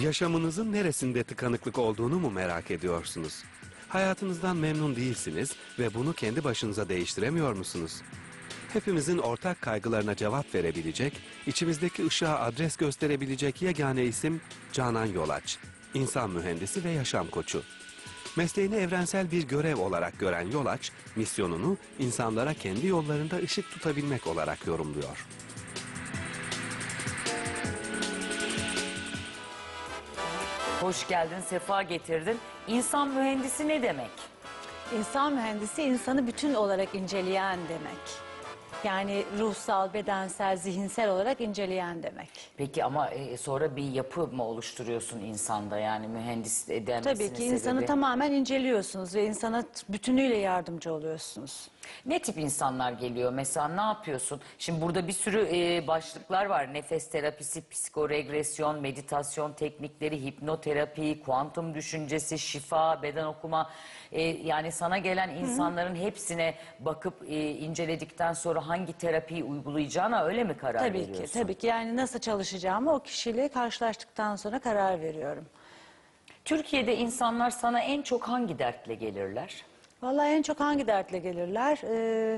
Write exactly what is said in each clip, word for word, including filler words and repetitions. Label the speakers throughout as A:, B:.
A: Yaşamınızın neresinde tıkanıklık olduğunu mu merak ediyorsunuz? Hayatınızdan memnun değilsiniz ve bunu kendi başınıza değiştiremiyor musunuz? Hepimizin ortak kaygılarına cevap verebilecek, içimizdeki ışığa adres gösterebilecek yegane isim Canan Yolaç. İnsan mühendisi ve yaşam koçu. Mesleğini evrensel bir görev olarak gören Yolaç, misyonunu insanlara kendi yollarında ışık tutabilmek olarak yorumluyor.
B: Hoş geldin, sefa getirdin. İnsan mühendisi ne demek?
C: İnsan mühendisi insanı bütün olarak inceleyen demek. Yani ruhsal, bedensel, zihinsel olarak inceleyen demek.
B: Peki ama e, sonra bir yapı mı oluşturuyorsun insanda, yani mühendis denmesinin
C: Tabii ki
B: sebebi?
C: insanı tamamen inceliyorsunuz ve insana bütünüyle yardımcı oluyorsunuz.
B: Ne tip insanlar geliyor mesela, ne yapıyorsun? Şimdi burada bir sürü e, başlıklar var. Nefes terapisi, psikoregresyon, meditasyon teknikleri, hipnoterapi, kuantum düşüncesi, şifa, beden okuma. E, yani sana gelen insanların Hı -hı. hepsine bakıp e, inceledikten sonra hangi terapiyi uygulayacağına öyle mi karar
C: tabii
B: veriyorsun?
C: Tabii ki, tabii ki. Yani nasıl çalışacağımı o kişiyle karşılaştıktan sonra karar veriyorum.
B: Türkiye'de insanlar sana en çok hangi dertle gelirler?
C: Vallahi en çok hangi dertle gelirler? Ee,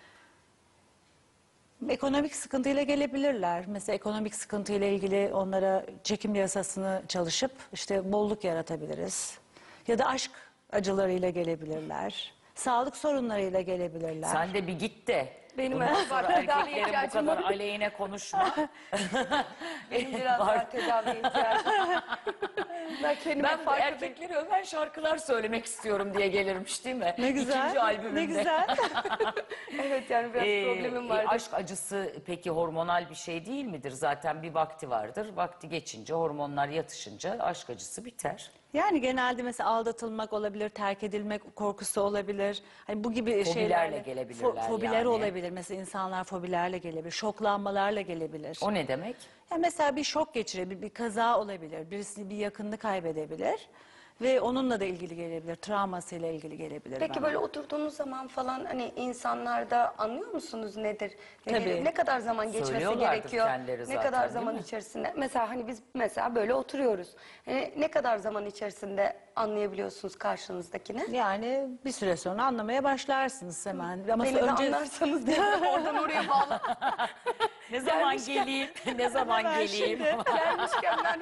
C: ekonomik sıkıntıyla gelebilirler. Mesela ekonomik sıkıntıyla ilgili onlara çekim yasasını çalışıp işte bolluk yaratabiliriz. Ya da aşk acılarıyla gelebilirler. Sağlık sorunlarıyla gelebilirler.
B: Sen de bir git de.
D: Benim
B: Bundan sonra erkeklerin bu kadar
D: var.
B: aleyhine konuşma.
D: Benim biraz daha tedaviye ihtiyacım var. Ben kendime
B: Ben
D: fark
B: erkekleri öven şarkılar söylemek istiyorum diye gelirmiş değil mi?
C: Ne güzel.
B: İkinci albümümde.
C: Ne güzel.
D: Evet, yani biraz
B: Ee,
D: problemim vardı.
B: e, aşk acısı peki hormonal bir şey değil midir? Zaten bir vakti vardır. Vakti geçince, hormonlar yatışınca aşk acısı biter.
C: Yani genelde mesela aldatılmak olabilir, terk edilmek korkusu olabilir. Hani bu gibi
B: Fobilerle
C: şeylerle
B: gelebilirler
C: fo fobiler
B: yani.
C: olabilir. Mesela insanlar fobilerle gelebilir, şoklanmalarla gelebilir.
B: O ne demek?
C: Yani mesela bir şok geçirebilir, bir kaza olabilir, birisi bir yakınını kaybedebilir ve onunla da ilgili gelebilir, travmasıyla ilgili gelebilir.
D: Peki
C: bana.
D: böyle oturduğunuz zaman falan hani insanlarda anlıyor musunuz nedir? Nedir?
C: Tabii.
D: Ne kadar zaman geçmesi
B: Söylüyorlardır
D: gerekiyor?
B: kendileri
D: Ne
B: zaten,
D: kadar
B: değil
D: zaman
B: mi?
D: içerisinde? Mesela hani biz mesela böyle oturuyoruz. Hani ne kadar zaman içerisinde anlayabiliyorsunuz karşınızdakini?
C: Yani bir süre sonra anlamaya başlarsınız hemen. Ama
D: Beni de
C: önce...
D: anlarsanız diye oradan oraya bağlı.
B: Ne zaman
D: Gelmişken-
B: geleyim? Ne zaman
C: Hemen
B: geleyim?
C: şimdi.
D: Gelmişken ben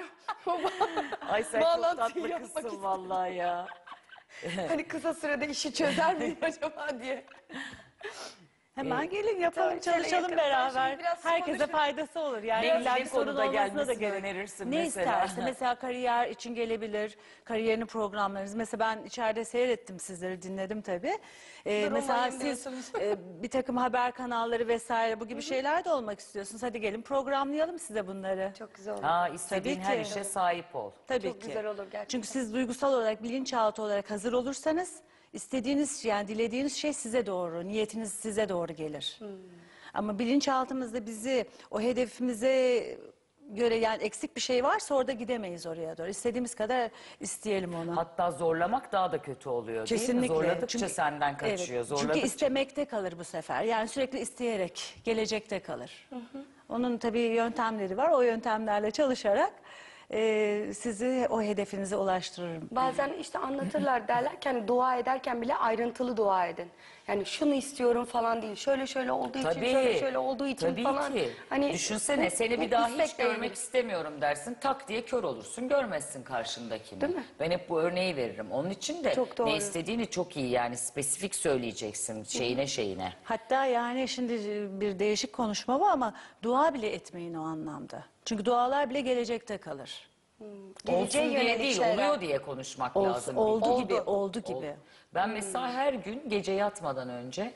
B: Ay sen çok
D: Bağlantıyı
B: tatlı
D: yapmak
B: kızsın
D: istedim.
B: vallahi ya.
D: hani kısa sürede işi çözer miyim acaba diye.
C: Hemen gelin yapalım,
D: Tabii, şöyle
C: çalışalım
D: yakın-
C: beraber.
D: şimdi biraz
C: Herkese
D: konuşuruz.
C: faydası olur. Yani
B: Ne-
C: illa
B: ne
C: bir sorun
B: konuda
C: olmasına da
B: gelmesini
C: gerek.
B: önerirsin
C: Ne
B: mesela?
C: isterse. Mesela kariyer için gelebilir. Kariyerini programlarınız. Mesela ben içeride seyrettim sizleri, dinledim tabii. Ee,
D: Dur,
C: mesela
D: olmayayım
C: siz
D: diyorsunuz.
C: e, bir takım haber kanalları vesaire bu gibi şeyler de olmak istiyorsunuz. Hadi gelin programlayalım size bunları.
D: Çok güzel olur.
B: Ha, istediğin
C: Tabii
B: her
C: ki.
B: işe sahip ol.
C: Tabii
D: Çok
C: ki.
D: güzel olur gerçekten.
C: Çünkü siz duygusal olarak, bilinçaltı olarak hazır olursanız istediğiniz, yani dilediğiniz şey size doğru, niyetiniz size doğru gelir.
D: Hmm.
C: Ama bilinçaltımızda bizi o hedefimize göre, yani eksik bir şey varsa orada gidemeyiz oraya doğru. İstediğimiz kadar isteyelim onu.
B: Hatta zorlamak daha da kötü oluyor değil mi?
C: Kesinlikle.
B: Zorladıkça
C: Çünkü-
B: senden kaçıyor.
C: Evet.
B: Zorladıkça...
C: Çünkü istemekte kalır bu sefer. Yani sürekli isteyerek gelecekte kalır. Onun tabii yöntemleri var. O yöntemlerle çalışarak e, sizi o hedefinize ulaştırırım.
D: Bazen işte anlatırlar, derler ki hani dua ederken bile ayrıntılı dua edin. Yani şunu istiyorum falan değil. Şöyle şöyle olduğu için,
B: Tabii,
D: şöyle şöyle olduğu için
B: tabii
D: falan.
B: ki.
D: Hani
B: Düşünsene,
D: bu-
B: seni
D: bu
B: bir daha hiç
D: istekle
B: görmek
D: ilgili.
B: istemiyorum dersin. Tak diye kör olursun, görmezsin karşındakini.
D: Değil mi?
B: Ben hep bu örneği veririm. Onun için de
D: Çok doğru.
B: ne istediğini çok iyi, yani spesifik söyleyeceksin şeyine şeyine.
C: Hatta yani şimdi bir değişik konuşma var ama dua bile etmeyin o anlamda. Çünkü dualar bile gelecekte kalır.
D: Geleceğe
B: Olsun diye
D: yönelik
B: değil,
D: şeyler.
B: oluyor diye konuşmak
C: Olsun-
B: lazım.
C: oldu
B: Oldu.
C: gibi, oldu gibi.
B: Oldu. Ben mesela her gün gece yatmadan önce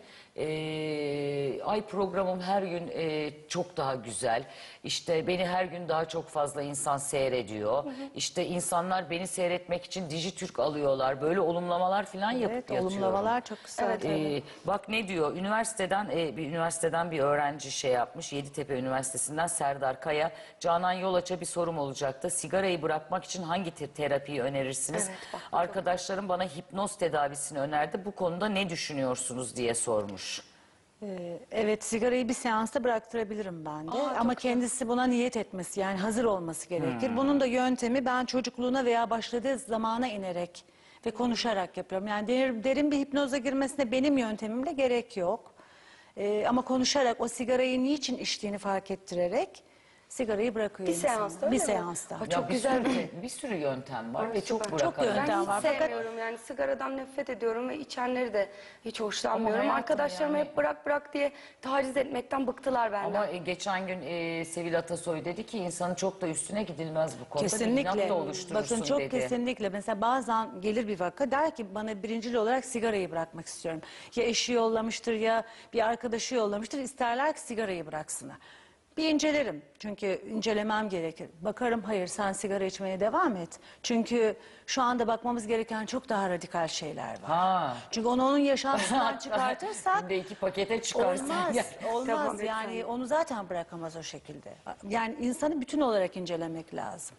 B: eee, ay programım her gün eee, çok daha güzel. İşte beni her gün daha çok fazla insan seyrediyor. İşte insanlar beni seyretmek için Dijitürk alıyorlar. Böyle olumlamalar falan yapıp
C: Evet,
B: yatıyorum.
C: olumlamalar çok güzel.
D: Evet,
B: Ee, bak ne diyor, üniversiteden e, bir üniversiteden bir öğrenci şey yapmış, Yeditepe Üniversitesi'nden Serdar Kaya. Canan Yolaç'a bir sorum olacaktı. Sigarayı bırakmak için hangi te- terapiyi önerirsiniz?
D: Evet, bak, bu çok-
B: Arkadaşlarım bana hipnoz tedavisini önerdi. Bu konuda ne düşünüyorsunuz diye sormuş.
C: Ee, Evet, sigarayı bir seansta bıraktırabilirim ben de.
D: Aa, çok
C: Ama
D: güzel.
C: kendisi buna niyet etmesi, yani hazır olması gerekir. Bunun da yöntemi, ben çocukluğuna veya başladığı zamana inerek ve konuşarak yapıyorum. Yani derin, derin bir hipnoza girmesine benim yöntemimle gerek yok. Ee, ama konuşarak, o sigarayı niçin içtiğini fark ettirerek sigarayı bırakıyor
D: Bir
C: insana.
D: seansta öyle
C: Bir
D: mi?
C: seansta.
D: Aa,
B: Ya
D: çok
B: bir
D: güzel
B: sürü,
D: bir
B: bir sürü yöntem var
D: Ay,
B: ve çok
D: süper.
C: Çok
B: bırakarak.
C: yöntem
D: Ben hiç
C: var. Fakat-
D: sevmiyorum yani sigaradan nefret ediyorum ve içenleri de hiç hoşlanmıyorum.
B: hayatım
D: Arkadaşlarım
B: yani-
D: hep bırak bırak diye taciz etmekten bıktılar benden.
B: Ama e, geçen gün e, Sevil Atasoy dedi ki insanın çok da üstüne gidilmez bu konuda. Bir
C: Kesinlikle.
B: inat da oluşturursun
C: Bakın çok
B: dedi.
C: kesinlikle. Mesela bazen gelir bir vaka, der ki bana birincil olarak sigarayı bırakmak istiyorum. Ya eşi yollamıştır ya bir arkadaşı yollamıştır. İsterler ki sigarayı bıraksınlar. Bir incelerim. Çünkü incelemem gerekir. Bakarım, hayır sen sigara içmeye devam et. Çünkü şu anda bakmamız gereken çok daha radikal şeyler var.
B: Ha.
C: Çünkü onu onun yaşantısından çıkartırsak
B: Günde iki pakete çıkarsın.
C: olmaz.
B: Ya.
C: Olmaz
D: Tamam, lütfen.
C: yani onu zaten bırakamaz o şekilde. Yani insanı bütün olarak incelemek lazım.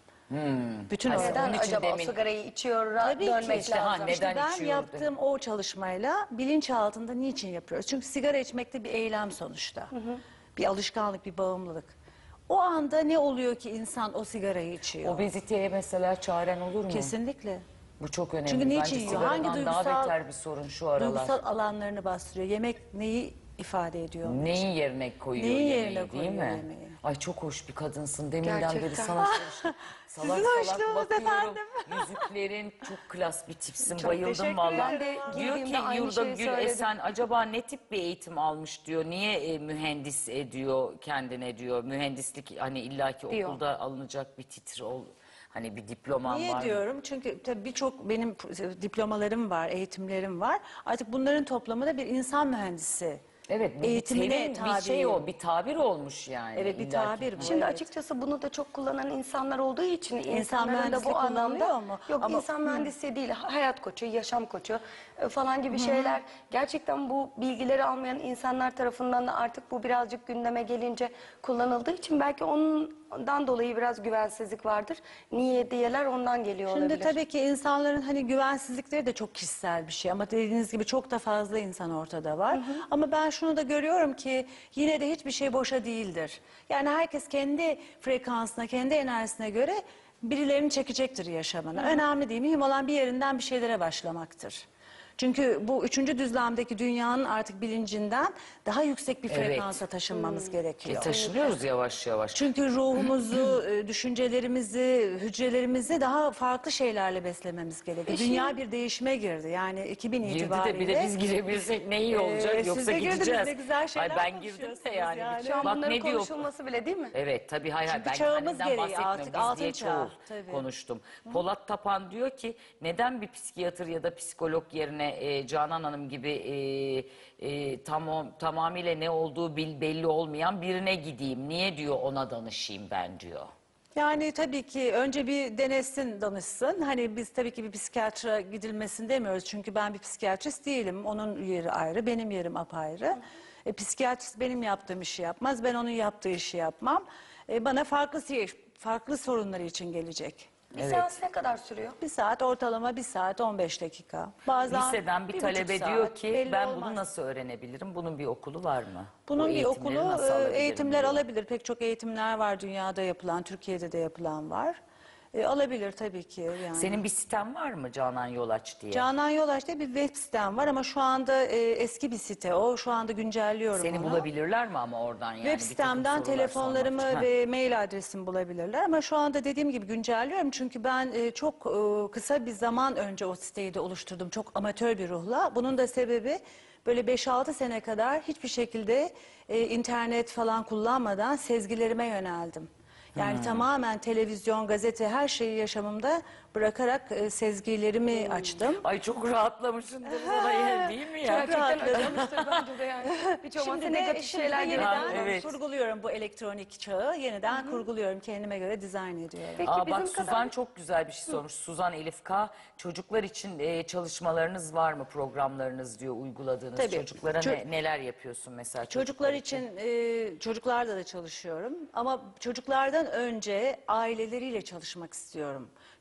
C: Bütün
B: Ha,
C: olarak.
D: Neden
B: Onun için
D: acaba
B: demin-
D: o sigarayı içiyor,
C: Tabii ki.
D: dönmek
B: İşte ha,
D: lazım.
B: neden
C: İşte ben
B: içiyordu?
C: yaptığım o çalışmayla bilinçaltında niçin yapıyoruz? Çünkü sigara içmek de bir eylem sonuçta. Bir alışkanlık, bir bağımlılık. O anda ne oluyor ki insan o sigarayı içiyor?
B: Obeziteye mesela çaren olur mu?
C: Kesinlikle.
B: Bu çok önemli.
C: Çünkü niçin
B: Bence
C: yiyor?
B: sigaradan
C: Hangi
B: daha
C: duygusal-
B: beter bir sorun şu aralar.
C: Duygusal alanlarını bastırıyor. Yemek neyi ifade ediyor?
B: Neyin yerine koyuyor
C: Neyin
B: yemeği
C: yerine
B: değil
C: koyuyor
B: mi?
C: yemeği?
B: Ay çok hoş bir kadınsın. Deminden beri
D: Gerçekten.
B: sana çalıştım. Salak
C: Sizin
B: salak
C: hoşluğunuz
B: bakıyorum.
C: efendim.
B: Yüzüklerin çok klas bir tipsin.
C: Çok
B: Bayıldım
C: teşekkür
B: vallahi.
C: ederim.
D: Ben de
B: Diyor ki
D: giydiğimde aynı
B: Yurda
D: şeyi
B: Gül
D: söyledim.
B: Esen acaba ne tip bir eğitim almış diyor. Niye e, mühendis ediyor kendine diyor. Mühendislik hani illaki
D: Diyor.
B: okulda alınacak bir titre ol. Hani bir diploman
C: Niye
B: var.
C: diyorum? Çünkü tabii birçok benim diplomalarım var, eğitimlerim var. Artık bunların toplamı da bir insan mühendisi.
B: Evet bu bir
C: Eğitimine
B: terim, bir şey
C: tabi.
B: o bir tabir olmuş yani.
C: Evet, bir
B: illaki.
C: tabir bu.
D: Şimdi
C: Evet.
D: açıkçası bunu da çok kullanan insanlar olduğu için insanların da
C: mühendisliği
D: bu anlamda
C: kullanılıyor mu?
D: yok
C: Ama-
D: insan mühendisliği değil hayat koçu, yaşam koçu e, falan gibi şeyler gerçekten bu bilgileri almayan insanlar tarafından da artık bu birazcık gündeme gelince kullanıldığı için belki ondan dolayı biraz güvensizlik vardır. Niye diyeler ondan geliyor
C: Şimdi
D: olabilir.
C: tabii ki insanların hani güvensizlikleri de çok kişisel bir şey ama dediğiniz gibi çok da fazla insan ortada var. Ama ben şunu da görüyorum ki yine de hiçbir şey boşa değildir. Yani herkes kendi frekansına, kendi enerjisine göre birilerini çekecektir yaşamına. Önemli değil, mühim olan bir yerinden bir şeylere başlamaktır. Çünkü bu üçüncü düzlemdeki dünyanın artık bilincinden daha yüksek bir
B: Evet.
C: frekansa taşınmamız
B: E,
C: gerekiyor.
B: taşınıyoruz yavaş yavaş.
C: Çünkü ruhumuzu, e, düşüncelerimizi, hücrelerimizi daha farklı şeylerle beslememiz gerekiyor. Dünya bir değişime girdi. Yani iki bin
B: Girdi
C: itibariyle.
B: de bir de biz girebilsek ne iyi olacak
C: Ee, siz
B: yoksa
C: de girdiniz,
B: gideceğiz.
C: ne güzel şeyler
B: Ay ben girdim de
C: konuşuyorsunuz
B: yani.
C: yani.
D: Şu an
B: Bak
D: bunların
B: ne diyor?
D: konuşulması bile değil mi?
B: Evet tabii hayır hayır
C: Çünkü
B: ben
C: çağımız
B: kendimden
C: gereği
B: bahsetmiyorum.
C: artık
B: Biz
C: altın
B: diye
C: çağ,
B: çoğul
C: tabii.
B: konuştum. Polat Tapan diyor ki neden bir psikiyatr ya da psikolog yerine e, Canan Hanım gibi e, e, tamam tamamıyla ne olduğu bil, belli olmayan birine gideyim. Niye diyor ona danışayım ben diyor.
C: Yani tabii ki önce bir denesin, danışsın. Hani biz tabii ki bir psikiyatra gidilmesini demiyoruz. Çünkü ben bir psikiyatrist değilim. Onun yeri ayrı, benim yerim apayrı. E, psikiyatrist benim yaptığım işi yapmaz, ben onun yaptığı işi yapmam. E, bana farklı farklı sorunları için gelecek.
D: Bir
B: Evet.
D: seans ne kadar sürüyor?
C: Bir saat, ortalama bir saat on beş dakika. Bazen
B: Liseden bir,
C: bir
B: talebe
C: buçuk
B: diyor
C: saat,
B: ki
C: belli
B: ben
C: olmaz.
B: bunu nasıl öğrenebilirim? Bunun bir okulu var mı? Bu
C: Bunun bir
B: eğitimleri
C: okulu,
B: nasıl
C: e,
B: alabilirim
C: eğitimler
B: diyor.
C: alabilir. Pek çok eğitimler var dünyada yapılan, Türkiye'de de yapılan var. E, alabilir tabii ki yani.
B: Senin bir siten var mı Canan Yolaç diye?
C: Canan Yolaç diye bir web sitem var ama şu anda e, eski bir site o. Şu anda güncelliyorum
B: Seni
C: onu.
B: bulabilirler mi ama oradan yani?
C: Web
B: bir takım
C: sitemden
B: sorular
C: telefonlarımı
B: sormak için?
C: ve mail adresimi bulabilirler. Ama şu anda dediğim gibi güncelliyorum. Çünkü ben e, çok e, kısa bir zaman önce o siteyi de oluşturdum. Çok amatör bir ruhla. Bunun da sebebi böyle beş altı sene kadar hiçbir şekilde e, internet falan kullanmadan sezgilerime yöneldim. Yani
B: Hmm.
C: tamamen televizyon, gazete her şeyi yaşamımda bırakarak e, sezgilerimi
B: Hmm.
C: açtım.
B: Ay çok rahatlamışsındır sana ya, değil mi ya?
D: Gerçekten
C: rahatladım.
D: acımıştır bence de yani. Hiç olmazsa
C: Şimdi de,
D: negatif
C: şimdi
D: şeyler
C: de
D: geliyor.
C: yeniden
B: Ha, evet.
C: kurguluyorum bu elektronik çağı. Yeniden kurguluyorum. Kendime göre dizayn ediyorum.
D: Peki
B: Aa,
D: bizim
B: bak Suzan
D: kadar...
B: çok güzel bir şey sormuş. Suzan Elif K. Çocuklar için e, çalışmalarınız var mı? Programlarınız diyor uyguladığınız.
C: Tabii.
B: Çocuklara
C: Ço-
B: ne, neler yapıyorsun mesela?
C: Çocuklar için, e, çocuklarla da çalışıyorum. Ama çocuklardan önce aileleriyle çalışmak istiyorum.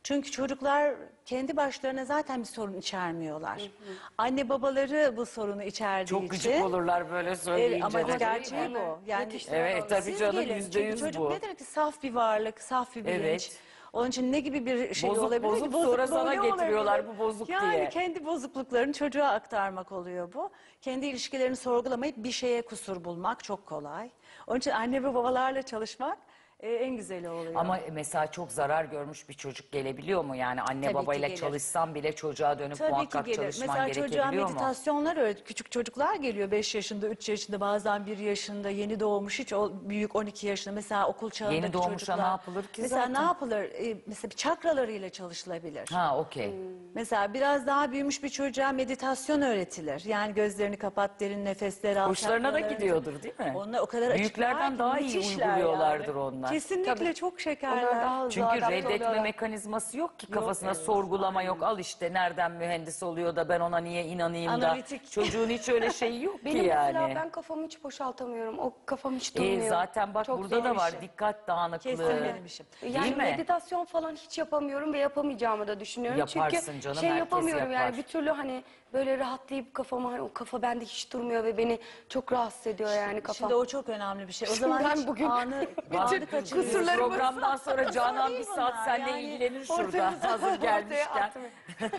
C: Çünkü çocuklar kendi başlarına zaten bir sorun içermiyorlar. Anne babaları bu sorunu içerdiği
B: Çok
C: için.
B: gıcık olurlar böyle söyleyince.
C: Evet, ama
B: de.
C: gerçeği bu. Yani
B: Evet tabii
C: siz
B: canım
C: gelin.
B: yüzde
C: Çünkü
B: yüz
C: çocuk
B: bu.
C: nedir ki saf bir varlık, saf bir bilinç.
B: Evet.
C: Onun için ne gibi bir şey
B: Bozuk
C: olabilir
B: bozuk
C: ki?
B: sonra sana
C: Bozukluğu ne
B: getiriyorlar,
C: olabilir?
B: bu bozuk
C: yani
B: diye.
C: Yani kendi bozukluklarını çocuğa aktarmak oluyor bu. Kendi ilişkilerini sorgulamayıp bir şeye kusur bulmak çok kolay. Onun için anne ve babalarla çalışmak e, en güzeli oluyor.
B: Ama mesela çok zarar görmüş bir çocuk gelebiliyor mu? Yani anne
C: Tabii ki
B: babayla
C: gelir.
B: çalışsan bile çocuğa dönüp
C: Tabii ki
B: muhakkak
C: gelir.
B: çalışman
C: Mesela çocuğa
B: gerekebiliyor mu?
C: meditasyonlar öğret. Küçük çocuklar geliyor beş yaşında, üç yaşında, bazen bir yaşında, yeni doğmuş, hiç o büyük on iki yaşında. Mesela okul çağındaki
B: Yeni doğmuşa
C: çocuklar.
B: ne yapılır ki
C: Mesela
B: zaten?
C: ne yapılır? Ee, mesela bir çakralarıyla çalışılabilir.
B: Ha okey.
C: Mesela biraz daha büyümüş bir çocuğa meditasyon öğretilir. Yani gözlerini kapat, derin nefesler al.
B: Hoşlarına da
C: çakralarını-
B: gidiyordur değil mi?
C: Onlar o kadar
B: Büyüklerden
C: açıklar ki
B: daha iyi
C: müthişler
B: uyguluyorlardır
C: yani.
B: onlar.
C: Kesinlikle
D: Tabii.
C: çok şekerler.
D: Onlar daha hızlı
B: Çünkü
D: adapte
B: reddetme
D: oluyorlar.
B: mekanizması yok ki kafasına
C: evet,
B: sorgulama yok. Al işte nereden mühendis oluyor da ben ona niye inanayım
C: Analitik.
B: da. Çocuğun hiç öyle şeyi yok
D: Benim
B: ki
D: mesela
B: yani.
D: ben kafamı hiç boşaltamıyorum. O kafam hiç
B: Ee,
D: durmuyor.
B: zaten bak
D: Çok
B: burada
D: zor
B: da
D: bir
B: var
D: şey.
B: dikkat dağınıklığı.
C: Kesin benim işim.
D: Yani
B: Değil mi?
D: meditasyon falan hiç yapamıyorum ve yapamayacağımı da düşünüyorum.
B: Yaparsın
D: Çünkü
B: canım,
D: şey
B: herkes
D: yapamıyorum
B: yapar.
D: yani bir türlü hani böyle rahatlayıp kafama hani o kafa bende hiç durmuyor ve beni çok rahatsız ediyor yani kafam.
C: Şimdi o çok önemli bir şey. O
D: Şimdi
C: zaman
D: ben
C: hiç
D: bugün
C: anı,
D: bütün
C: anı kaçırıyorsun.
D: kusurlarımı-
B: Programdan sonra Canan bir
C: değil
B: saat
C: bunlar,
B: seninle
C: yani
B: ilgilenir
D: ortaya-
B: şurada hazır
D: ortaya
B: gelmişken.
D: atmıyor.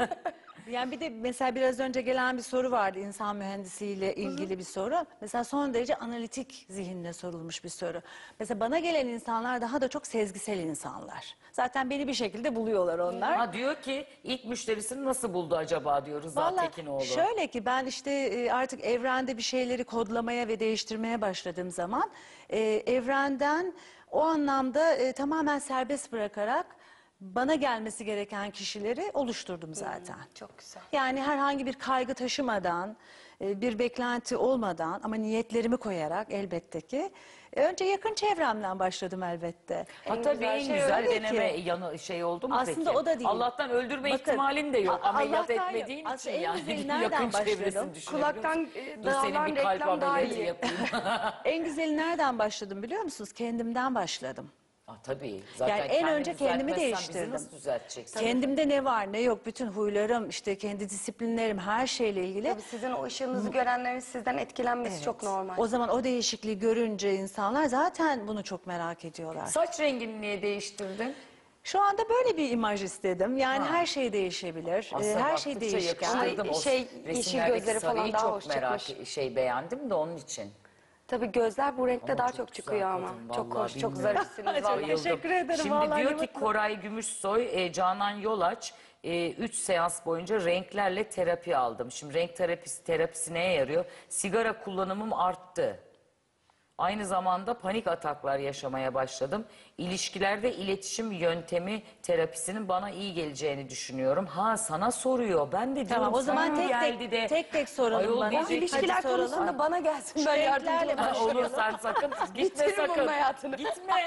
C: Yani bir de mesela biraz önce gelen bir soru vardı, insan mühendisiyle ilgili bir soru. Mesela son derece analitik zihinle sorulmuş bir soru. Mesela bana gelen insanlar daha da çok sezgisel insanlar. Zaten beni bir şekilde buluyorlar onlar.
B: Ha diyor ki ilk müşterisini nasıl buldu acaba diyor Rıza
C: Vallahi
B: Tekinoğlu.
C: şöyle ki ben işte e, artık evrende bir şeyleri kodlamaya ve değiştirmeye başladığım zaman e, evrenden o anlamda e, tamamen serbest bırakarak bana gelmesi gereken kişileri oluşturdum zaten.
D: Çok güzel.
C: Yani herhangi bir kaygı taşımadan, e, bir beklenti olmadan ama niyetlerimi koyarak elbette ki e, önce yakın çevremden başladım elbette.
B: Ha tabii en
D: şey
B: güzel
C: öyle ki.
B: deneme yanı şey oldu mu
C: Aslında
B: peki?
C: o da değil.
B: Allah'tan öldürme
C: Bakın,
B: ihtimalin de yok.
C: A-
B: Ameliyat
C: Allah'tan
B: etmediğin
C: yok.
B: için
C: Aslında en
B: yani.
C: güzeli
B: Yakın
C: nereden
B: çevresini
C: başladım?
B: düşünebiliyor
D: Kulaktan
B: musun?
D: e,
B: Dur senin
D: dağılan
B: bir kalp
D: reklam daha
B: ameliyatı
D: iyi.
B: yapayım.
C: En güzeli nereden başladım biliyor musunuz? Kendimden başladım.
B: Ah, tabii. Zaten
C: Yani en
B: kendini
C: önce kendimi
B: düzeltmezsen
C: değiştirdim.
B: Bizi nasıl düzelteceksin?
C: Kendimde ne var ne yok, bütün huylarım, işte kendi disiplinlerim, her şeyle ilgili.
D: Tabii sizin o ışığınızı görenlerin sizden etkilenmesi çok normal.
C: O zaman o değişikliği görünce insanlar zaten bunu çok merak ediyorlar.
B: Saç rengini niye değiştirdin?
C: Şu anda böyle bir imaj istedim. Yani
B: Ha.
C: her şey değişebilir.
B: Aslında
C: Ee, her şey
B: baktıkça
C: değişken.
B: yakıştırdım. O
D: Şey, yeşil
B: resimlerdeki
D: gözleri falan
B: sarıyı
D: daha
B: çok
D: hoş
B: merak
D: çıkmış.
B: şey beğendim de onun için.
D: Tabii gözler bu renkte
B: Ama
D: daha
B: çok
D: çok,
B: güzel
D: çıkıyor ama.
B: kadın,
D: Çok
B: vallahi
D: hoş, çok
B: bilmiyorum.
D: zarifsiniz
C: Çok
D: vallahi.
B: Bayıldım.
C: teşekkür ederim,
B: Şimdi
C: vallahi
B: diyor
C: ne
B: ki
C: mutlu.
B: Koray Gümüşsoy, e, Canan Yolaç üç seans boyunca renklerle terapi aldım. Şimdi renk terapisi, terapisi neye yarıyor? Sigara kullanımım arttı. Aynı zamanda panik ataklar yaşamaya başladım. İlişkilerde iletişim yöntemi terapisinin bana iyi geleceğini düşünüyorum. Ha sana soruyor. Ben de diyorum
C: Tamam, o zaman
B: sana
C: tek tek-
B: geldi de.
C: tek tek soralım
B: Ayol
C: bana.
B: diyecek-
C: Hadi
D: İlişkiler
C: soralım.
D: konusunda bana gelsin,
C: Şu
D: ben yardımcı
C: renklerle
D: olayım.
C: başlayalım.
B: Olur sen sakın gitme
D: Bitiririm
B: sakın.
D: onun hayatını.
B: Gitme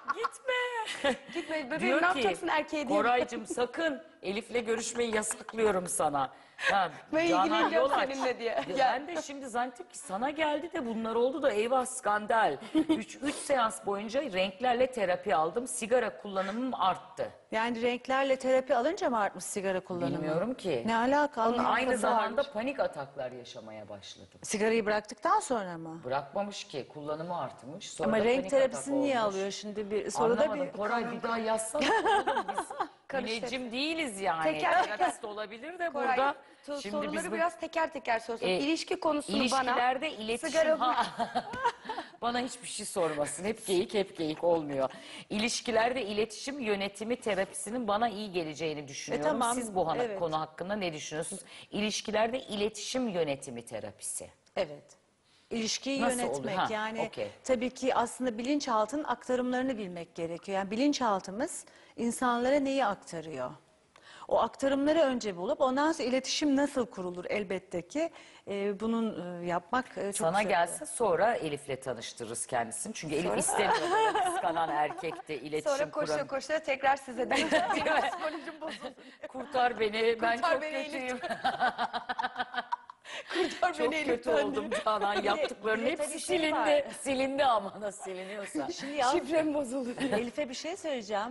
B: gitme.
D: Gitme bebeğim,
B: Diyor
D: ne
B: ki,
D: yapacaksın erkeğe diye.
B: Koraycığım sakın Elif'le görüşmeyi yasaklıyorum sana. Ha,
D: Ben
B: Canan
D: ilgileneceğim
B: Yolaç.
D: seninle diye.
B: Ya
D: Gel.
B: ben de şimdi zannettim ki sana geldi de bunlar oldu da eyvah skandal. üç, üç seans boyunca renklerle terapi aldım. Sigara kullanımım arttı.
C: Yani renklerle terapi alınca mı artmış sigara kullanımı?
B: Bilmiyorum ki.
C: Ne alaka?
B: Aynı
C: Anlamadım.
B: zamanda panik ataklar yaşamaya başladım.
C: Sigarayı bıraktıktan sonra mı?
B: Bırakmamış ki kullanımı artmış. Sonra
C: Ama
B: da
C: renk
B: panik
C: terapisini
B: atak
C: niye
B: olmuş.
C: alıyor şimdi bir soruda
B: Anlamadım.
C: bir...
B: Koray bir daha yazsana. Oğlum biz müneccim değiliz yani.
D: Teker teker.
B: Terapist olabilir de
D: Koray,
B: burada.
D: so-
B: Şimdi
D: soruları
B: biz bu-
D: biraz teker teker sorsun.
B: E,
D: İlişki konusunu
B: İlişkilerde
D: bana...
B: iletişim...
D: sigara-
B: Ha. Bana hiçbir şey sormasın. Hep geyik hep geyik olmuyor. İlişkilerde iletişim yönetimi terapisinin bana iyi geleceğini düşünüyorum.
C: E, tamam,
B: Siz bu hana-
C: evet.
B: konu hakkında ne düşünüyorsunuz? İlişkilerde iletişim yönetimi terapisi.
C: Evet. İlişkiyi
B: Nasıl
C: yönetmek
B: oluyor? Ha,
C: yani
B: okey.
C: tabii ki aslında bilinçaltının aktarımlarını bilmek gerekiyor. Yani bilinçaltımız insanlara neyi aktarıyor? O aktarımları önce bulup ondan sonra iletişim nasıl kurulur elbette ki e, bunun e, yapmak e, çok
B: Sana
C: zor.
B: gelse sonra Elif'le tanıştırırız kendisini. Çünkü Elif istemiyor böyle kıskanan erkekte iletişim
D: Sonra koşa
B: kuran.
D: koşa tekrar size döneceğim. Psikolojim bozuldu.
B: Kurtar beni, ben
D: Kurtar
B: çok
D: beni
B: kötüyüm.
D: Kurtar
B: Çok
D: beni
B: kötü
D: Elif'ten.
B: oldum Canan. Yaptıkların
C: bir de
B: hepsi
C: tabii şey
B: silindi.
C: var.
B: Silindi ama nasıl siliniyorsa.
C: Şimdi yalnız
D: Şifrem bozuldu.
C: Elif'e bir şey söyleyeceğim.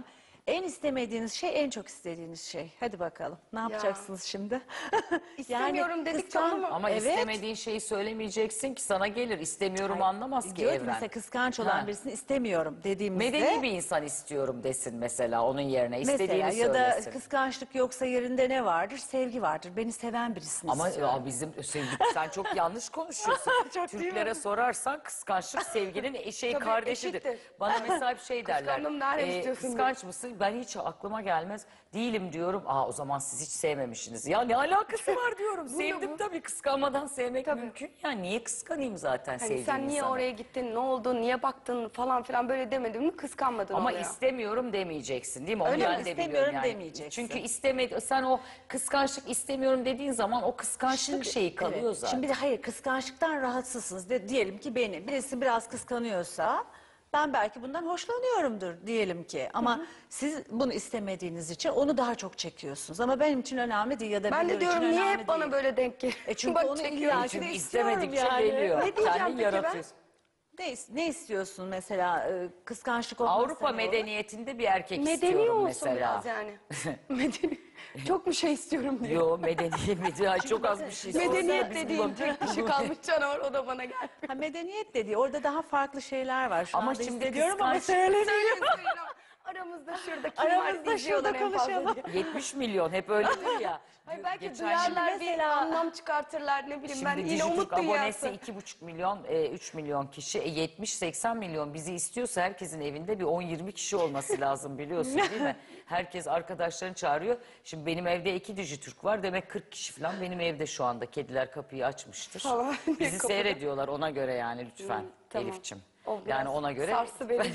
C: En istemediğiniz şey, en çok istediğiniz şey. Hadi bakalım. Ne yapacaksınız şimdi?
D: İstemiyorum dedik
C: kıskan-
D: tamam mı?
B: Ama
C: Evet.
B: istemediğin şeyi söylemeyeceksin ki sana gelir. İstemiyorum anlamaz ki
C: Diyor ki
B: evren.
C: mesela kıskanç olan
B: Ha.
C: birisini istemiyorum dediğimizde.
B: Medeni bir insan istiyorum desin mesela onun yerine. İstediğini
C: Mesela ya da
B: söylesin.
C: kıskançlık yoksa yerinde ne vardır? Sevgi vardır. Beni seven birisini
B: Ama
C: istiyorum.
B: ya bizim sevgi, sen çok yanlış konuşuyorsun.
C: Çok değil mi?
B: Türklere sorarsan kıskançlık sevginin eşeği
D: Tabii,
B: kardeşidir.
D: eşittir.
B: Bana mesela bir şey derler.
D: Kıskandım, nerede istiyorsun
B: kıskanç mısın? Ben hiç aklıma gelmez. Değilim diyorum. Aa o zaman siz hiç sevmemişsiniz. Ya ne alakası var diyorum. Sevdim
D: bu.
B: tabii, kıskanmadan sevmek mümkün. Ya niye kıskanayım zaten
D: Hani
B: sevdiğim
D: sen niye
B: insanı?
D: oraya gittin, ne oldu, niye baktın falan filan böyle demedin mi kıskanmadın
B: Ama
D: oluyor.
B: istemiyorum demeyeceksin değil mi? Onu
C: Öyle mi?
B: ben de biliyorum
C: İstemiyorum
B: yani.
C: demeyeceksin.
B: Çünkü istemedi, sen o kıskançlık istemiyorum dediğin zaman o kıskançlık şeyi kalıyor
C: evet.
B: zaten.
C: Şimdi bir de hayır, kıskançlıktan rahatsızsınız. De, diyelim ki beni birisi biraz kıskanıyorsa ben belki bundan hoşlanıyorumdur diyelim ki. Ama siz bunu istemediğiniz için onu daha çok çekiyorsunuz. Ama benim için önemli değil ya da
D: Ben de
C: birileri için
D: diyorum niye
C: önemli
D: hep bana
C: değil.
D: böyle denk geliyor.
C: E çünkü
D: Bak
C: onu
D: çekiyorum.
C: illa ki
B: Çünkü
C: de istiyorum
B: istemedikçe
C: yani.
B: geliyor.
D: Ne diyeceğim
B: Kendin
D: peki ben?
B: yaratıyorsun.
C: Ne, is- ne istiyorsun mesela? Ee, kıskançlık olmazsa
B: Avrupa
C: ne olur?
B: medeniyetinde bir erkek
D: Medeni
B: istiyorum
D: olsun
B: mesela.
D: biraz yani. Medeni. Çok mu şey istiyorum diyor.
B: Yo medeni, medeni çok az bir şey.
D: Medeniyet
B: Sorsana, biz
D: dediğin
B: bulalım.
D: tek kişi kalmış canavar, o da bana geldi.
C: Ha, medeniyet dediği orada daha farklı şeyler var. Şu
B: Ama
C: anda
B: şimdi
C: hissediyorum ama
B: kıskanç-
C: söylemiyorum.
D: Söyleyin söyleyin ama aramızda şurada kim
C: Aramızda
D: var izliyorlar
C: şurada
D: en fazla
C: konuşalım.
D: diye.
B: yetmiş milyon hep öyledir ya.
D: Hayır, belki
B: Geçen
D: duyarlar
C: şimdi
D: bir
C: mesela-
D: anlam çıkartırlar ne bileyim ben
B: Şimdi
D: yine
B: Dijitürk
D: umut
B: abonesi
D: dünyası.
B: iki buçuk milyon, e, üç milyon kişi. E, yetmiş seksen milyon bizi istiyorsa herkesin evinde bir on yirmi kişi olması lazım biliyorsun değil mi? Herkes arkadaşlarını çağırıyor. Şimdi benim evde iki Dijitürk var. Demek kırk kişi falan benim evde şu anda. Kediler kapıyı açmıştır.
D: Falan.
B: Bizi
D: Kapıda.
B: seyrediyorlar ona göre yani lütfen
D: tamam.
B: Elifçim.
D: O biraz
B: Yani ona göre.
D: sarsı beni.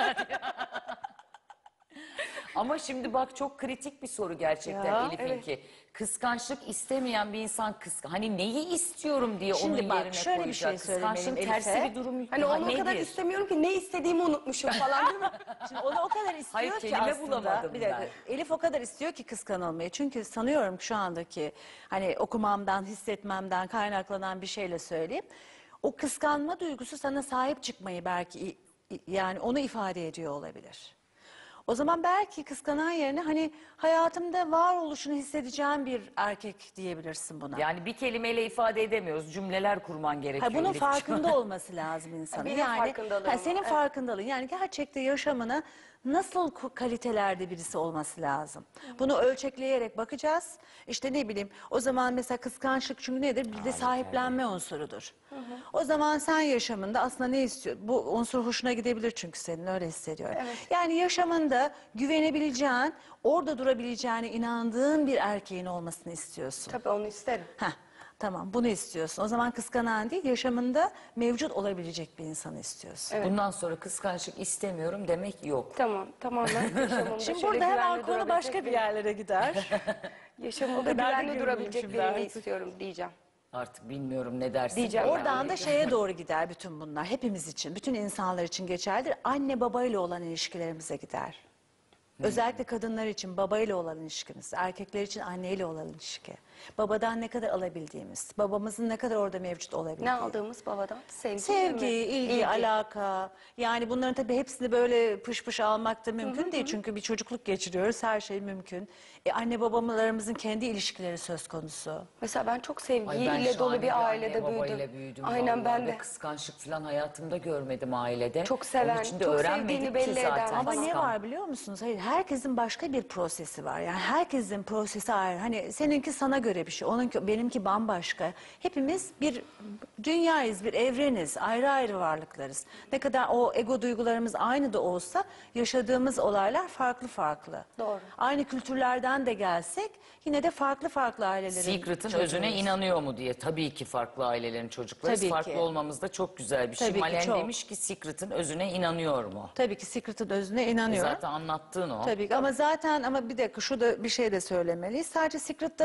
B: Ama şimdi bak çok kritik bir soru gerçekten
C: Ya,
B: Elif'inki. Kıskançlık istemeyen bir insan kıskan. Hani neyi istiyorum diye
C: Şimdi
B: onun
C: bak,
B: yerine
C: şöyle bir
B: koyacak.
C: şey söylemeliyim
B: Kıskançlığın tersi
C: Elif'e.
B: bir durum.
D: Hani
B: Ha,
D: onu o kadar
B: nedir?
D: istemiyorum ki ne istediğimi unutmuşum falan değil mi?
C: Şimdi onu o kadar istiyor
B: Hayır,
C: ki
B: kelime
C: aslında.
B: bulamadım
C: Bir dakika, Elif o kadar istiyor ki kıskanılmayı. Çünkü sanıyorum şu andaki hani okumamdan, hissetmemden kaynaklanan bir şeyle söyleyeyim. O kıskanma duygusu sana sahip çıkmayı belki i- i- yani onu ifade ediyor olabilir. O zaman belki kıskanan yerine hani hayatımda varoluşunu hissedeceğim bir erkek diyebilirsin buna.
B: Yani bir kelimeyle ifade edemiyoruz. Cümleler kurman gerekiyor.
C: Ha, bunun
B: Elif'ciğim.
C: farkında olması lazım insanın.
D: Benim
C: yani
D: farkındalığım
C: ha, senin
D: var, evet.
C: farkındalığın. Yani gerçekte yaşamına nasıl ku- kalitelerde birisi olması lazım. Bunu ölçekleyerek bakacağız. İşte ne bileyim o zaman mesela kıskançlık çünkü nedir? Bir de sahiplenme unsurudur. O zaman sen yaşamında aslında ne istiyorsun? Bu unsur hoşuna gidebilir çünkü senin öyle hissediyorum. Yani yaşamında güvenebileceğin, orada durabileceğine inandığın bir erkeğin olmasını istiyorsun.
D: Tabii onu isterim.
C: Heh, tamam bunu istiyorsun. O zaman kıskanan değil, yaşamında mevcut olabilecek bir insanı istiyorsun.
B: Bundan sonra kıskançlık istemiyorum demek yok.
D: Tamam tamamen yaşamımda
C: Şimdi
D: şöyle
C: burada hemen
D: güvenli
C: konu
D: durabilecek
C: başka bir
D: biri-
C: yerlere gider.
D: Yaşamımda
C: kadar da
D: güvenli
C: girmeyeyim
D: durabilecek
C: şimdi
D: birini
C: artık.
D: istiyorum diyeceğim.
B: Artık bilmiyorum ne dersin.
D: Diyeceğim.
C: Oradan da şeye doğru gider bütün bunlar. Hepimiz için, bütün insanlar için geçerlidir. Anne babayla olan ilişkilerimize gider. Özellikle kadınlar için babayla olan ilişkimiz, erkekler için anneyle olan ilişki. Babadan ne kadar alabildiğimiz, babamızın ne kadar orada mevcut olabildiği.
D: Ne aldığımız babadan? Sevgi,
C: Sevgi,
D: mi?
C: ilgi, alaka. Yani bunların tabii hepsini böyle pış pış almak da mümkün değil. Çünkü bir çocukluk geçiriyoruz, her şey mümkün. E, anne babalarımızın kendi ilişkileri söz konusu.
D: Mesela ben çok
B: Ay
D: sevgiyle
B: ben
D: dolu
B: şahane
D: bir ailede
B: anne
D: büyüdüm.
B: babayla büyüdüm.
D: Aynen
B: vallahi
D: ben
B: ve
D: de.
B: kıskançlık falan hayatımda görmedim ailede.
D: Çok seven,
B: Onun için de
D: çok
B: öğrenmedik
D: sevdiğini
B: ki
D: belli eden.
B: zaten.
C: Ama ne
B: kıskan-
C: var biliyor musunuz? Hayır, herkesin başka bir prosesi var. Yani herkesin prosesi ayrı. Hani seninki sana göre bir şey, onunki benimki bambaşka. Hepimiz bir dünyayız, bir evreniz, ayrı ayrı varlıklarız. Ne kadar o ego duygularımız aynı da olsa yaşadığımız olaylar farklı farklı.
D: Doğru.
C: Aynı kültürlerden de gelsek yine de farklı farklı ailelerin
B: Secret'ın
C: çocuğuyuz.
B: özüne inanıyor mu diye. Tabii ki farklı ailelerin çocukları.
C: Tabii
B: Farklı
C: ki.
B: olmamız da çok güzel bir şey.
C: Tabii ki,
B: Malen
C: çok.
B: demiş ki Secret'ın özüne inanıyor mu?
C: Tabii ki Secret'ın özüne
B: E
C: inanıyorum.
B: zaten anlattığın o.
C: Tabii ki ama zaten ama bir dakika şu da bir şey de söylemeliyiz. Sadece Secret'ta da kalmıyor.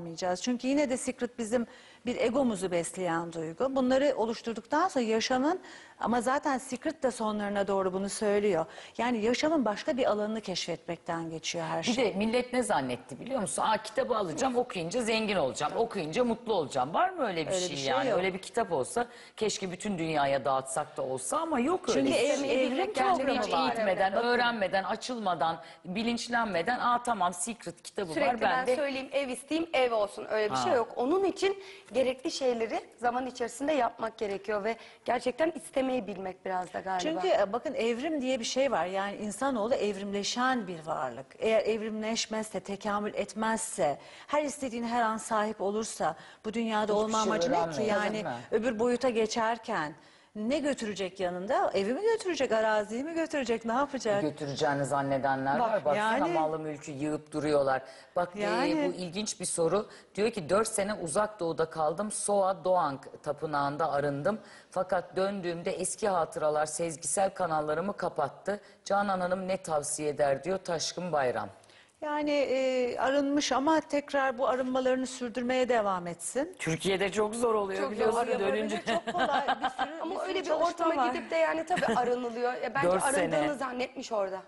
C: olmayacağız. Çünkü yine de secret bizim bir egomuzu besleyen duygu. Bunları oluşturduktan sonra yaşamın, ama zaten secret de sonlarına doğru bunu söylüyor. Yani yaşamın başka bir alanını keşfetmekten geçiyor her
B: Bir
C: şey.
B: de millet ne zannetti biliyor musun? Aa, kitabı alacağım, okuyunca zengin olacağım, okuyunca mutlu olacağım. Var mı öyle bir
C: Öyle
B: şey,
C: bir şey
B: yani?
C: yok.
B: Öyle bir kitap olsa keşke bütün dünyaya dağıtsak da olsa ama yok öyle.
C: Çünkü
B: bir şey.
C: ev- evrim programı
B: Hiç
C: var.
B: eğitmeden,
D: Bakın.
B: öğrenmeden, açılmadan, bilinçlenmeden, aa tamam secret kitabı
D: Sürekli
B: var
D: ben
B: ben de.
D: söyleyeyim ev isteyeyim ev olsun, öyle bir
B: Ha.
D: şey yok. Onun için gerekli şeyleri zaman içerisinde yapmak gerekiyor ve gerçekten istemeyi bilmek biraz da galiba.
C: Çünkü e, bakın evrim diye bir şey var. Yani insanoğlu evrimleşen bir varlık. Eğer evrimleşmezse, tekamül etmezse, her istediğine her an sahip olursa bu dünyada
B: Hiçbir
C: olma
B: şey
C: amacı ne ki?
B: öğrenmeyiz,
C: Yani
B: değil mi?
C: öbür boyuta geçerken ne götürecek yanında? Evi mi götürecek, araziyi mi götürecek, ne yapacak?
B: Götüreceğini zannedenler var.
C: Bak,
B: Baksana
C: yani-
B: malı mülkü yığıp duruyorlar. Bak e,
C: Yani-
B: bu ilginç bir soru. Diyor ki dört sene uzak doğuda kaldım. Soa Doğan tapınağında arındım. Fakat döndüğümde eski hatıralar sezgisel kanallarımı kapattı. Canan Hanım ne tavsiye eder diyor Taşkın Bayram.
C: Yani e, arınmış ama tekrar bu arınmalarını sürdürmeye devam etsin.
B: Türkiye'de çok zor oluyor
D: Çok
B: biliyorsun
D: zor
B: dönünce.
C: Çok kolay bir sürü,
D: Ama
C: sürü
D: öyle bir
C: çalışma
D: ortama
C: var.
D: gidip de yani tabii aranılıyor. E, bence
B: Dört
D: arındığını
B: sene.
D: zannetmiş orada.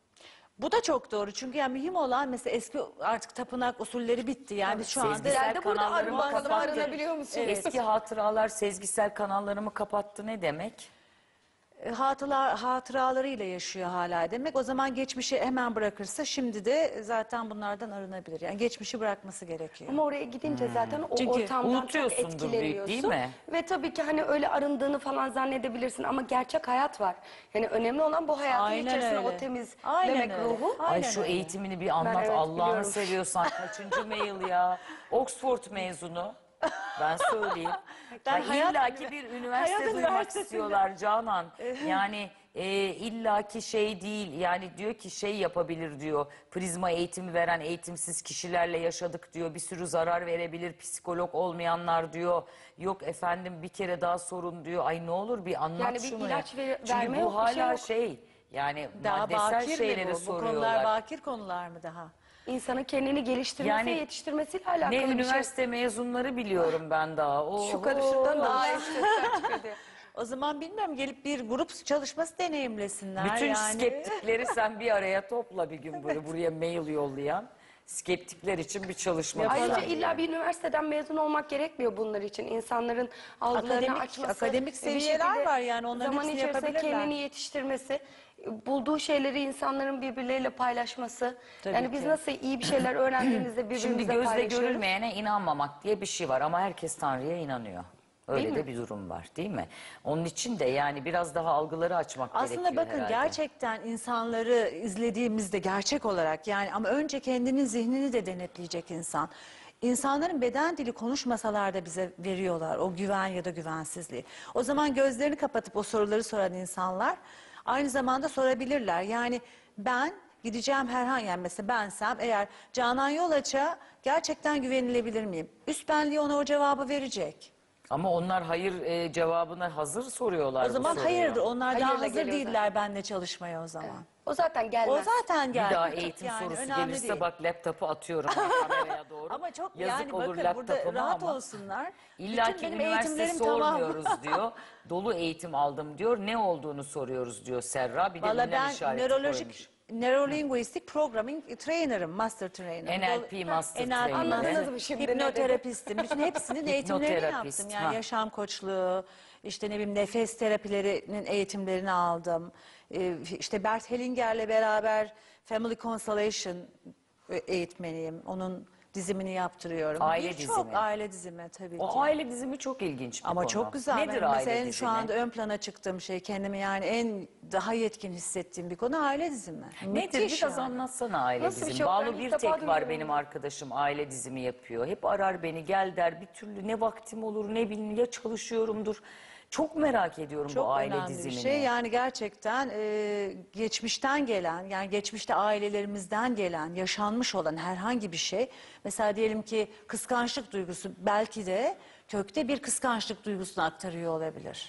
C: Bu da çok doğru çünkü yani mühim olan mesela eski artık tapınak usulleri bitti. Yani biz şu anda
B: Sezgisel
D: Sen de burada
B: kanallarımı
D: arınma-
B: kapattı.
D: arınabiliyor musun?
B: Eski hatıralar sezgisel kanallarımı kapattı ne demek?
C: E, hatılar, hatıralarıyla yaşıyor hala demek. O zaman geçmişi hemen bırakırsa şimdi de zaten bunlardan arınabilir. Yani geçmişi bırakması gerekiyor.
D: Ama oraya gidince zaten o
C: Çünkü
D: ortamdan çok
B: unutuyorsundur büyük,
D: etkileniyorsun.
B: değil mi?
D: Ve tabii ki hani öyle arındığını falan zannedebilirsin ama gerçek hayat var. Yani önemli olan bu hayatın
C: Aynen
D: içerisinde
C: öyle.
D: o temizlemek
C: Aynen öyle.
D: ruhu.
B: Ay
C: Aynen
B: şu
C: öyle.
B: eğitimini bir anlat
D: evet,
B: Allah'ını
D: biliyorum.
B: seviyorsan kaçıncı mail ya? Oxford mezunu. Ben söyleyeyim.
C: Ben
B: Ya
C: hayat-
B: illaki bir üniversite
C: hayat
B: duymak
C: üniversitesinde-
B: istiyorlar Canan. Yani e, illaki şey değil. Yani diyor ki şey yapabilir diyor. Prizma eğitimi veren eğitimsiz kişilerle yaşadık diyor. Bir sürü zarar verebilir psikolog olmayanlar diyor. Yok efendim bir kere daha sorun diyor. Ay ne olur bir anlat
D: Yani bir
B: şunu
D: ilaç
B: ya.
D: ver-
B: Çünkü
D: verme
B: bu
D: yok, bir
B: hala
D: şey yok.
B: şey. Yani
C: Daha
B: maddesel
C: bakir mi
B: şeyleri
C: bu? Bu konular
B: soruyorlar.
C: bakir konular mı daha?
D: İnsanın kendini geliştirmesi,
B: Yani
D: yetiştirmesiyle alakalı
B: Ne
D: bir şey.
B: üniversite mezunları biliyorum ben daha. Oo.
D: Şu karışıktan daha iyi sesler çıkıyor diye.
C: O zaman bilmiyorum gelip bir grup çalışması deneyimlesinler.
B: Bütün
C: yani.
B: skeptikleri sen bir araya topla bir gün böyle buraya mail yollayan. Skeptikler için bir çalışma.
D: Ayrıca
B: düzenle.
D: illa bir üniversiteden mezun olmak gerekmiyor bunlar için. İnsanların algılarını
C: Akademik-
D: açması.
C: akademik
D: bir
C: seviyeler
D: şekilde
C: var yani, onların
D: zaman
C: hepsini
D: içerisinde
C: yapabilirler.
D: kendini yetiştirmesi, bulduğu şeyleri insanların birbirleriyle paylaşması.
C: Tabii
D: yani biz
C: ki.
D: nasıl iyi bir şeyler öğrendiğimizde birbirimize
B: Şimdi gözle
D: paylaşıyoruz.
B: görülmeyene inanmamak diye bir şey var ama herkes Tanrı'ya inanıyor. Öyle
D: Değil
B: de
D: mi?
B: bir durum var değil mi? Onun için de yani biraz daha algıları açmak
C: Aslında
B: gerekiyor
C: bakın
B: herhalde.
C: gerçekten insanları izlediğimizde gerçek olarak yani ama önce kendinin zihnini de denetleyecek insan. İnsanların beden dili konuşmasalar da bize veriyorlar o güven ya da güvensizliği. O zaman gözlerini kapatıp o soruları soran insanlar aynı zamanda sorabilirler. Yani ben gideceğim herhangi yani mesela bensem eğer Canan Yolaç'a gerçekten güvenilebilir miyim? Üst benliği ona o cevabı verecek.
B: Ama onlar hayır e, cevabına hazır soruyorlar.
C: O
B: bu
C: zaman
B: soruyu.
C: hayırdır onlar daha
D: Hayırla
C: hazır
D: geliyor
C: değiller benimle çalışmaya o zaman.
D: O zaten
C: O
D: gelmez.
C: zaten
B: Bir
C: geldi.
B: daha eğitim
C: Yani
B: sorusu
C: önemli
B: gelirse
C: değil.
B: bak laptopu atıyorum ben kameraya doğru.
C: Ama çok
B: Yazık
C: yani
B: olur
C: bakın burada
B: laptopuma
C: rahat
B: ama
C: olsunlar.
B: İlla
C: Bütün
B: ki
C: benim
B: üniversite
C: eğitimlerim tamam.
B: sormuyoruz diyor. Dolu eğitim aldım diyor. Ne olduğunu soruyoruz diyor Serra. Bir de
C: Valla
B: ünlem
C: ben
B: işareti
C: nörolojik
B: koymuş.
C: Neurolinguistic Programming Trainer'ım, Master Trainer.
B: N L P Master
C: N L P
B: Trainer.
D: Anladınız mı şimdi ne dedi?
C: Hipnoterapistim. Bütün hepsinin eğitimlerini
B: Hipnoterapist,
C: yaptım. Yani
B: ha.
C: yaşam koçluğu, işte ne bileyim nefes terapilerinin eğitimlerini aldım. Ee, işte Bert Hellinger'le beraber Family Constellation eğitmeniyim. Onun dizimini yaptırıyorum.
B: Aile
C: Birçok
B: dizimi.
C: aile dizimi tabii ki.
B: O aile dizimi çok ilginç bir
C: Ama
B: konu.
C: çok güzel.
B: Nedir
C: Ben
B: aile
C: mesela en
B: dizimi?
C: şu anda ön plana çıktığım şey kendimi yani en daha yetkin hissettiğim bir konu aile dizimi.
B: Nedir?
C: Müthiş
B: Biraz
C: yani.
B: anlatsana aile
D: Nasıl bir
B: dizimi.
D: şey? Ben
B: Banu
D: ilk
B: bir
D: defa
B: tek var
D: duyuyorum
B: benim
D: bunu.
B: arkadaşım aile dizimi yapıyor. Hep arar beni gel der bir türlü ne vaktim olur ne bileyim ya çalışıyorumdur. Çok merak ediyorum
C: Çok
B: bu aile
C: önemli
B: dizimini.
C: bir şey. Yani gerçekten e, geçmişten gelen, yani geçmişte ailelerimizden gelen, yaşanmış olan herhangi bir şey. Mesela diyelim ki kıskançlık duygusu belki de kökte bir kıskançlık duygusunu aktarıyor olabilir.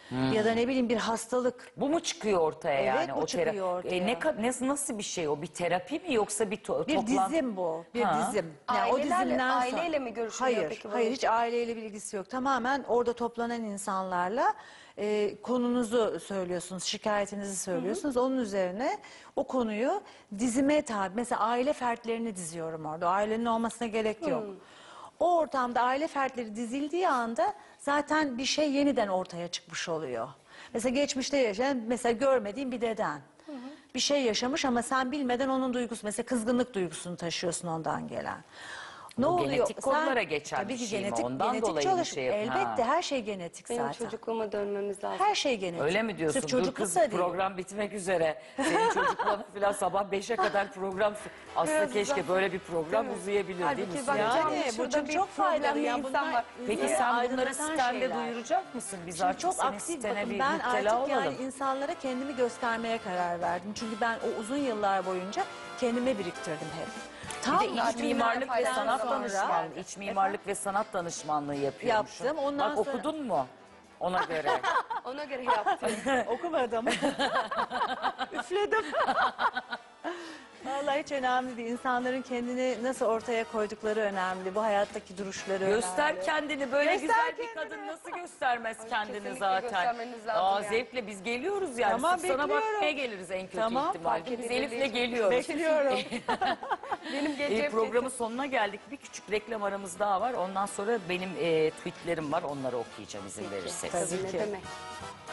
C: ya da ne bileyim bir hastalık.
B: Bu mu çıkıyor ortaya
C: Evet,
B: yani?
C: bu
B: o
C: çıkıyor
B: tera-
C: ortaya.
B: E, ne, ka- ne nasıl bir şey o? Bir terapi mi yoksa bir to-
C: Bir
B: toplantı?
C: dizim bu. Bir
B: Ha.
C: dizim. o
D: Ailelerle-
C: dizimden sonra-
D: aileyle mi görüşülüyor
C: Hayır,
D: peki bu?
C: hayır hiç aileyle bir ilgisi yok. Tamamen orada toplanan insanlarla e, konunuzu söylüyorsunuz, şikayetinizi söylüyorsunuz. Onun üzerine o konuyu dizime tabi. Mesela aile fertlerini diziyorum orada. Ailenin olmasına gerek yok. O ortamda aile fertleri dizildiği anda zaten bir şey yeniden ortaya çıkmış oluyor. Mesela geçmişte yaşayan, mesela görmediğin bir deden. Bir şey yaşamış ama sen bilmeden onun duygusu, mesela kızgınlık duygusunu taşıyorsun ondan gelen. Ne
B: Bu
C: oluyor?
B: genetik kodlara geçen
C: tabii
B: bir
C: ki
B: şey mi?
C: genetik,
B: Ondan
C: genetik
B: dolayı bir
C: çalış-
B: şey yap-
C: Elbette
B: Ha.
C: her şey genetik
D: Benim
C: zaten.
D: çocukluğuma dönmemiz lazım.
C: Her şey genetik.
B: Öyle mi diyorsun?
C: Sırf
B: Dur
C: çocukluk
B: kız
C: da değil.
B: program bitmek üzere. Senin çocuklarına falan sabah beşe kadar program... Aslında
D: Biraz
B: keşke
D: uzak.
B: böyle bir program
D: Değil mi?
B: uzayabilir değil mi?
D: Halbuki bak
B: Sinem?
D: canım,
C: Yani bu
D: şurada
C: çok,
D: bir
C: çok faydalı.
D: problemli
C: Ya
D: insan
C: bunlar
D: var.
B: Peki
C: insanı
B: sen bunları
C: aydınlatan
B: sitende
C: şeyler.
B: duyuracak mısın? Biz
C: Şimdi
B: artık
C: çok
B: senin
C: aktif
B: sitene
C: bakın
B: bir
C: ben
B: müptela
C: artık
B: olalım.
C: yani insanlara kendimi göstermeye karar verdim. Çünkü ben o uzun yıllar boyunca kendime biriktirdim hep.
B: Bir de iç
D: Zaten
B: mimarlık ve
D: faydalı
B: sanat
D: sonra-
B: danışmanlığı, iç mimarlık ve sanat danışmanlığı yapıyormuşsun.
C: Yaptım, ondan
B: Bak
C: sonra-
B: okudun mu? Ona göre.
D: Ona göre yaptım.
C: Okumadım. Üfledim. Vallahi hiç önemli değil. İnsanların kendini nasıl ortaya koydukları önemli. Bu hayattaki duruşları
B: Göster
C: önemli.
B: kendini. Böyle
C: Göster
B: güzel bir
C: kendini.
B: kadın nasıl göstermez kendini
D: kesinlikle
B: zaten.
D: göstermeniz lazım
B: Aa,
D: yani.
B: Zevkle biz geliyoruz yani.
C: Tamam,
B: Sırf sana
C: bekliyorum.
B: bakmaya geliriz en kötü
C: Tamam,
B: ihtimalle.
D: fark
B: Biz
D: edildiği
B: Elif'le
D: için.
B: geliyoruz.
C: Bekliyorum.
D: Benim
B: E,
D: geleceğim
B: programın sonuna geldik. Bir küçük reklam aramız daha var. Ondan sonra benim e, tweetlerim var. Onları okuyacağım izin verirseniz.
C: Tabii
D: Ne
C: ki.
D: demek?